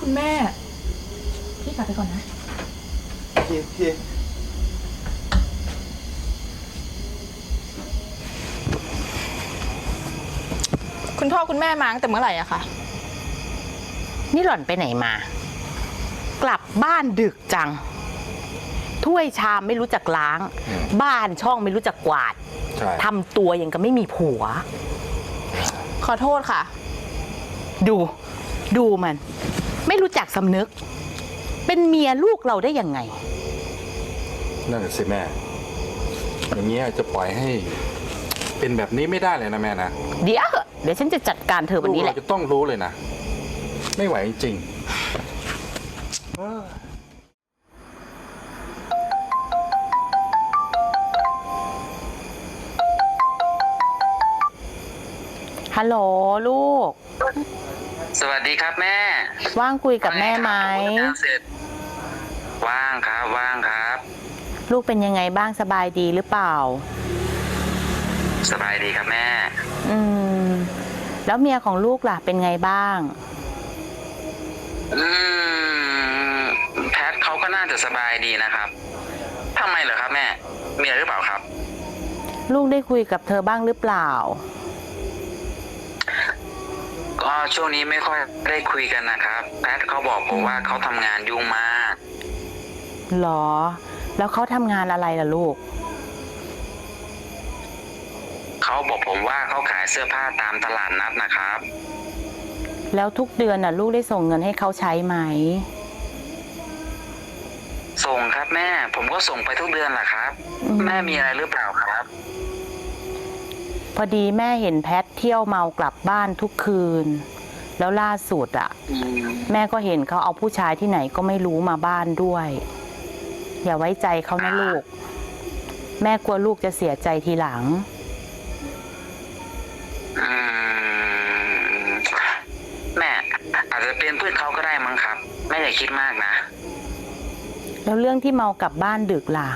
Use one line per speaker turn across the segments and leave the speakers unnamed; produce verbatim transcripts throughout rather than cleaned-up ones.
คุณแม่พี่กลับไปก่อนนะ
โอเคโอเค
คุณพ่อคุณแม่มาตั้งแต่เมื่อไหร่อะคะ
นี่หล่อนไปไหนมากลับบ้านดึกจังถ้วยชามไม่รู้จักล้างบ้านช่องไม่รู้จักกวาดทำตัวอย่างกับไม่มีผัว
ขอโทษค่ะ
ดูดูมันไม่รู้จักสำนึกเป็นเมียลูกเราได้ยังไง
นั่นแหละสิแม่อย่างเงี้ยจะปล่อยให้เป็นแบบนี้ไม่ได้เลยนะแม่นะ
เดี๋ยวเดี๋ยวฉันจะจัดการเธอวันนี้แหละ
เราจะต้องรู้เลยนะไม่ไหวจริง
ฮัลโหลลูก
สวัสดีครับแม่
ว่างคุยกับแม่ไหม
ว่างครับว่างครับ
ลูกเป็นยังไงบ้างสบายดีหรือเปล่า
สบายดีครับแม่
อืมแล้วเมียของลูกล่ะเป็นไงบ้าง
อืมแพทเขาก็น่าจะสบายดีนะครับทำไมเหรอครับแม่มีอะไรหรือเปล่าครับ
ลูกได้คุยกับเธอบ้างหรือเปล่า
ก็ช่วงนี้ไม่ค่อยได้คุยกันนะครับแพทเขาบอกผมว่าเขาทำงานยุ่งมาก
หรอแล้วเขาทำงานอะไรล่ะลูก
เขาบอกผมว่าเขาขายเสื้อผ้าตามตลาดนัดนะครับ
แล้วทุกเดือนน่ะลูกได้ส่งเงินให้เขาใช้ไหม
ส่งครับแม่ผมก็ส่งไปทุกเดือนแหละครับแม่มีอะไรหรือเปล่าครับ
พอดีแม่เห็นแพทเที่ยวเมากลับบ้านทุกคืนแล้วล่าสุดอ่ะแม่ก็เห็นเขาเอาผู้ชายที่ไหนก็ไม่รู้มาบ้านด้วยอย่าไว้ใจเขานะลูกแม่กลัวลูกจะเสียใจทีหลัง
แม่อาจจะเป็นเพื่อนเขาก็ได้มั้งครับแม่อย่าคิดมากนะ
แล้วเรื่องที่เมากลับบ้านดึกล่ะ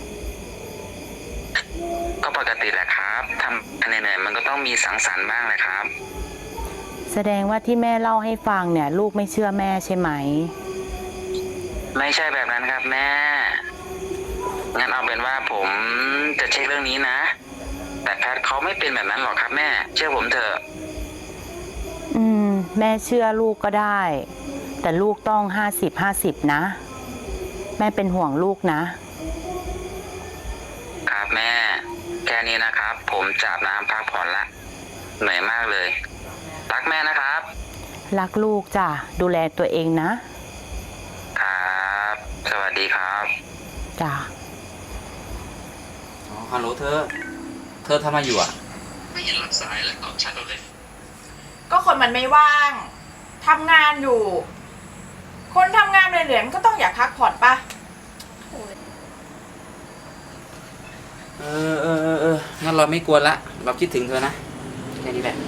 ก็ปกติแหละครับทำเหนื่อยๆมันก็ต้องมีสังสรรค์บ้างแหละครับ
แสดงว่าที่แม่เล่าให้ฟังเนี่ยลูกไม่เชื่อแม่ใช่ไหม
ไม่ใช่แบบนั้นครับแม่งั้นเอาเป็นว่าผมจะเช็คเรื่องนี้นะแต่แพทเขาไม่เป็นแบบนั้นหรอกครับแม่เชื่อผมเถอะ
อืมแม่เชื่อลูกก็ได้แต่ลูกต้องห้าสิบห้าสิบนะแม่เป็นห่วงลูกนะครับ
แม่แค่นี้นะครับผมจะอาบน้ำพักผ่อนละเหนื่อยมากเลยรักแม่นะครับ
รักลูกจ้ะดูแลตัวเองนะครับ
สวัสดีครับ
จ้ะ
อ๋อฮัลโหลเธอเธอทำอะไรอยู่อ่ะ
ไม่เห็นรับสายแล้วตอบชัดเลย
ก็คนมันไม่ว่างทำงานอยู่คนทำงานเหนื่อยๆมันก็ต้องอยากพักผ่อนปะ
เออเออเออเอองั้นเราไม่กวนละเราคิดถึงเธอนะแค่นี้แหละ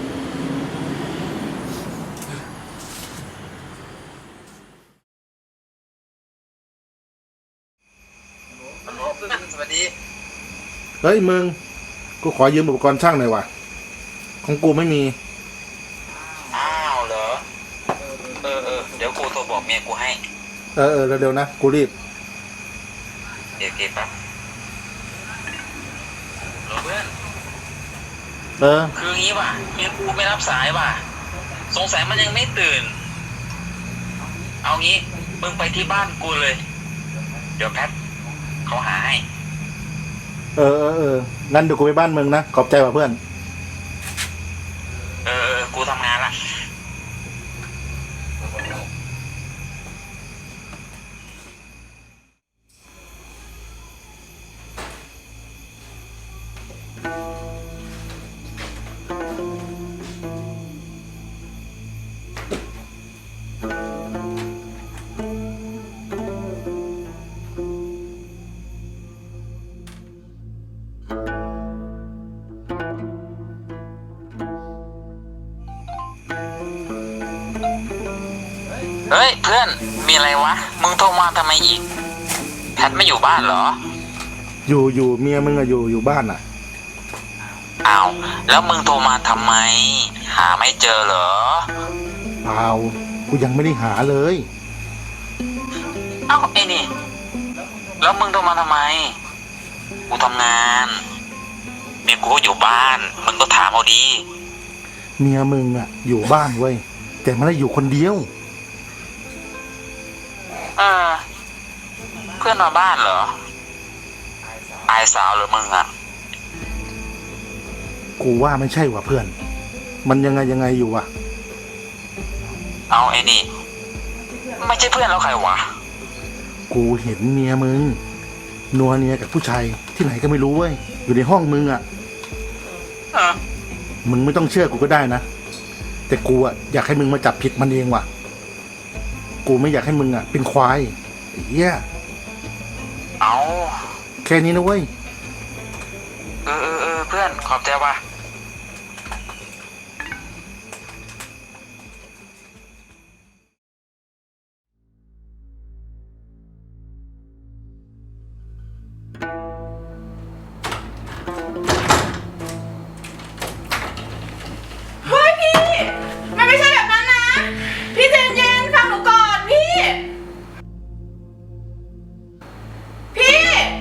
ฮัลโหลเพื่อนสวัสดี
เฮ้ยมึงกูขอยืมอุปกรณ์ช่างหน่อยว่ะของกูไม่มี
อ้าวเหรอเออเออเดี๋ยวกูโทรบอกเมียกูให้
เออเออเร็วๆนะกูรีบ
เดี๋ยวเก็บปั๊บเพื่อน
เออ
คืองี้ว่ะเมียกูไม่รับสายว่ะสงสัยมันยังไม่ตื่นเอางี้มึงไปที่บ้านกูเลยเดี๋ยวแพทเขาหาให้
เออเออเอองั้นเดี๋ยวกูไปบ้านมึงนะขอบใจว่ะเพื่อน
เออกูทำงานละเฮ้ยเพื่อนมีอะไรวะมึงโทรมาทำไมอีกแพทไม่อยู่บ้านเหรอ
อยู่อยู่เมียมึงอะอยู่อยู่บ้านอะ
อ้าวแล้วมึงโทรมาทำไมหาไม่เจอเหรอ
เปล่ากู
กูยังไม่ได้หาเลย
เอ้าไอ้นี่ แล้วมึงโทรมาทำไม กูทำงานเมียกูก็อยู่บ้าน มึงก็ถามเอาดี
เมียมึงอะอยู่บ้านเว้ยแต่ไม่ได้อยู่คนเดียว
เออ เพื่อนมาบ้านเหรอ อายสาวเหรือมึงอะ
กูว่าไม่ใช่ว่ะเพื่อน มันยังไงยังไงอยู่วะ
เอาไอ้นี่ ไม่ใช่เพื่อนแล้วใครวะ
กูเห็นเมียมึงนัวเนียกับผู้ชายที่ไหนก็ไม่รู้เว้ยอยู่ในห้องมึงอะ
เออ
มึงไม่ต้องเชื่อกูก็ได้นะแต่กูอะอยากให้มึงมาจับผิดมันเองว่ะกูไม่อยากให้มึงอะเป็นควายไอ้เหี้ย
เอา
แค่นี้นะเว้ย
เออเออเออเพื่อนขอบใจว่ะ
เฮ้ยพี่ มันไม่ใช่แบบนั้นนะ พี่ใจเย็นๆฟังหนูก่อนพี่ พี่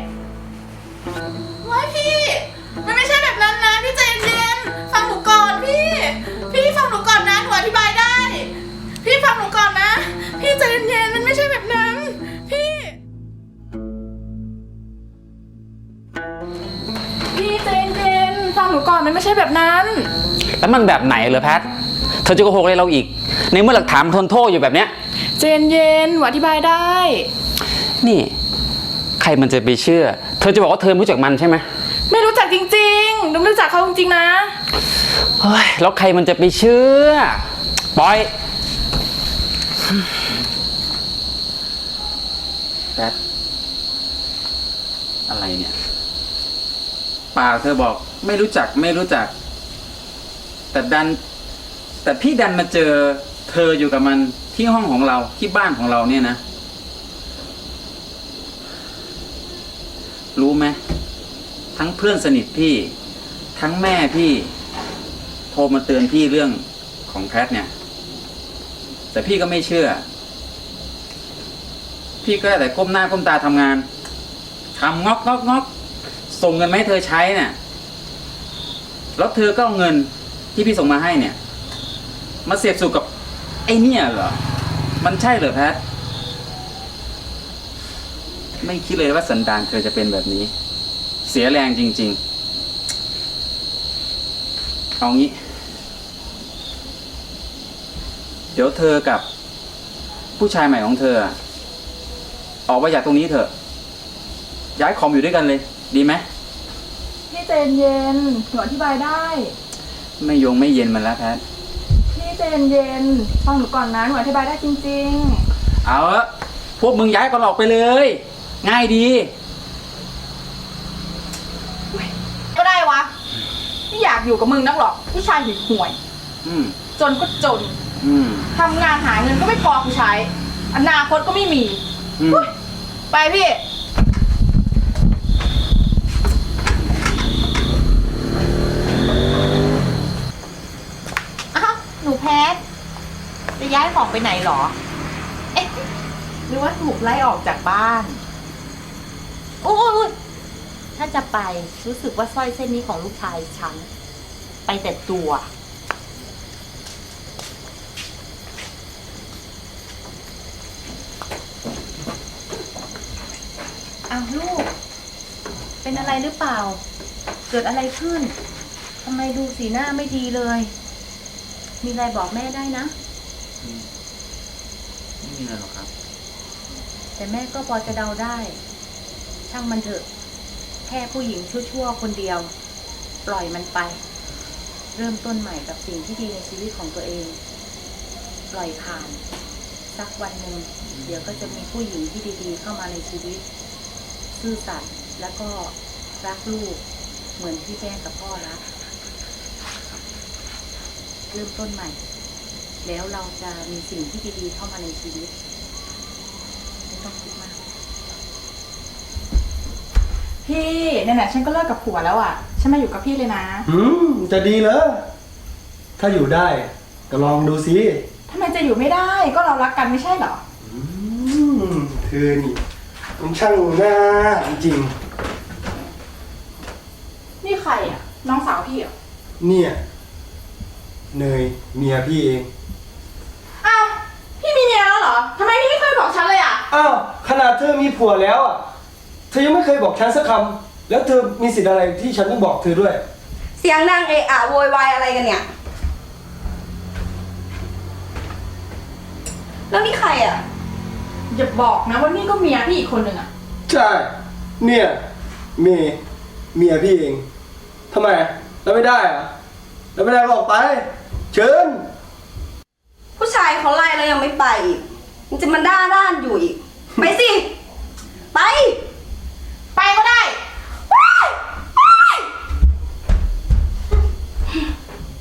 เฮ้ยพี่ มันไม่ใช่แบบนั้นนะ พี่ใจเย็นๆฟังหนูก่อนพี่ พี่ฟังหนูก่อนนะหนูอธิบายได้ พี่ฟังหนูก่อนนะ พี่ใจเย็นๆมันไม่ใช่แบบนั้น พี่ พี่ใจเย็นๆฟังหนูก่อนมันไม่ใช่แบบนั้น
แล้วมันแบบไหนเหรอแพท เธอจะโกหกอะไรเราอีก ในเมื่อหลักฐานมันทนโทษอยู่แบบเนี้ย
เจนเย็นหนูอธิบายได้
นี่ ใครมันจะไปเชื่อ เธอจะบอกว่าเธอไม่รู้จักมันใช่ไหม
ไม่รู้จักจริงๆหนูไม่รู้จักเขาจริงๆนะ
เฮ้ย แล้วใครมันจะไปเชื่อ ปล่อยแพท อะไรเนี่ยปากเธอบอกไม่รู้จักไม่รู้จัก แต่ดัน แต่พี่ดันมาเจอเธออยู่กับมันที่ห้องของเราที่บ้านของเราเนี่ยนะ รู้ไหมทั้งเพื่อนสนิทพี่ ทั้งแม่พี่ โทรมาเตือนพี่เรื่องของแพทเนี่ย แต่พี่ก็ไม่เชื่อ พี่ก็ได้แต่ก้มหน้าก้มตาทำงานทำงอกงอกงอกส่งเงินมาให้เธอใช้เนี่ยแล้วเธอก็เอาเงินที่พี่ส่งมาให้เนี่ย มาเสียบสู่กับไอ้เนี่ยเหรอ มันใช่เหรอแพท ไม่คิดเลยว่าสันดานเธอจะเป็นแบบนี้ เสียแรงจริงๆ เอางี้ เดี๋ยวเธอกับผู้ชายใหม่ของเธอ ออกไปจากตรงนี้เถอะ ย้ายคอมอยู่ด้วยกันเลย ดีไหม
พี่เจนเย็นหนูอธิบายได้
ไม่ยงไม่เย็นมันแล้วแพท
พี่เจนเย็นฟังหนูก่อนนะหนูอธิบายได้จริง
เอาละพวกมึงย้ายกันออกไปเลย ง่ายดี
ๆ ก็ได้วะไม่อยากอยู่กับมึงนักหรอกผู้ชายห่วย
อืม
ๆจนก็จน
อืม
ทำงานหาเงินก็ไม่พอกูใช้ อนาคตก็ไม่มี
อืม
อุ๊ยไปพี่
อ้าวหนูแพทจะย้ายของไปไหนหรอ เอ๊ะหรือว่าถูกไล่ออกจากบ้านโอ้ยถ้าจะไปรู้สึกว่าสร้อยเส้นนี้ของลูกชายฉัน ไปแต่ตัวอ้าวลูก เป็นอะไรหรือเปล่า เกิดอะไรขึ้นทำไมดูสีหน้าไม่ดีเลย มีอะไรบอกแม่ได้นะ
ไม่มีอะไรหรอกครับ
แต่แม่ก็พอจะเดาได้ ช่างมันเถอะ แค่ผู้หญิงชั่วๆคนเดียว ปล่อยมันไป เริ่มต้นใหม่กับสิ่งที่ดีในชีวิตของตัวเอง ปล่อยผ่าน สักวันหนึ่งเดี๋ยวก็จะมีผู้หญิงที่ดีๆเข้ามาในชีวิต ซื่อสัตย์แล้วก็รักลูก เหมือนที่แม่กับพ่อรัก เริ่มต้นใหม่ แล้วเราจะมีสิ่งที่ดีๆเข้ามาในชีวิต ไม่ต้องคิดมาก
พี่ไหนๆฉันก็เลิกกับผัวแล้วอ่ะ ฉันมาอยู่กับพี่เลยนะ
อืมจะดีเหรอถ้าอยู่ได้ก็ลองดูสิ
ททำไมจะอยู่ไม่ได้ ก็เรารักกันไม่ใช่เหรอ
อืมเธอนี่มันช่างน่าจริง
นี่ใครอ่ะ น้องสาวพี่เหรอ
เนี่ยเนยเมียพี่เอง
อ้าว พี่มีเมียแล้วเหรอ ทำไมพี่ไม่เคยบอกฉันเลยอ่ะ
อ้าวขนาดเธอมีผัวแล้วอ่ะเธอยังไม่เคยบอกฉันสักคำแล้วเธอมีสิทธิ์อะไรที่ฉันต้องบอกเธอด้วย
เสียงดังเอะอะโวยวายอะไรกันเนี่ย แล้วนี่ใครอ่ะ
อย่าบอกนะว่านี่ก็เมียพี่อีกคนหนึ่งอ่ะ
ใช่ เนี่ยเมย์เมียพี่เองทำไมแล้วไม่ได้เหรอะแล้วไม่ได้ก็ออกไป เชิญ
ผู้ชายเขาไล่แล้วยังไม่ไปอีกมันจะมาด้าด้านอยู่อีก ไปสิ ไป
ไปก็ได้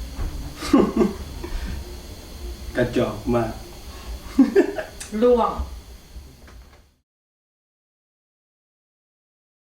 กระจอกมาก
ล่วง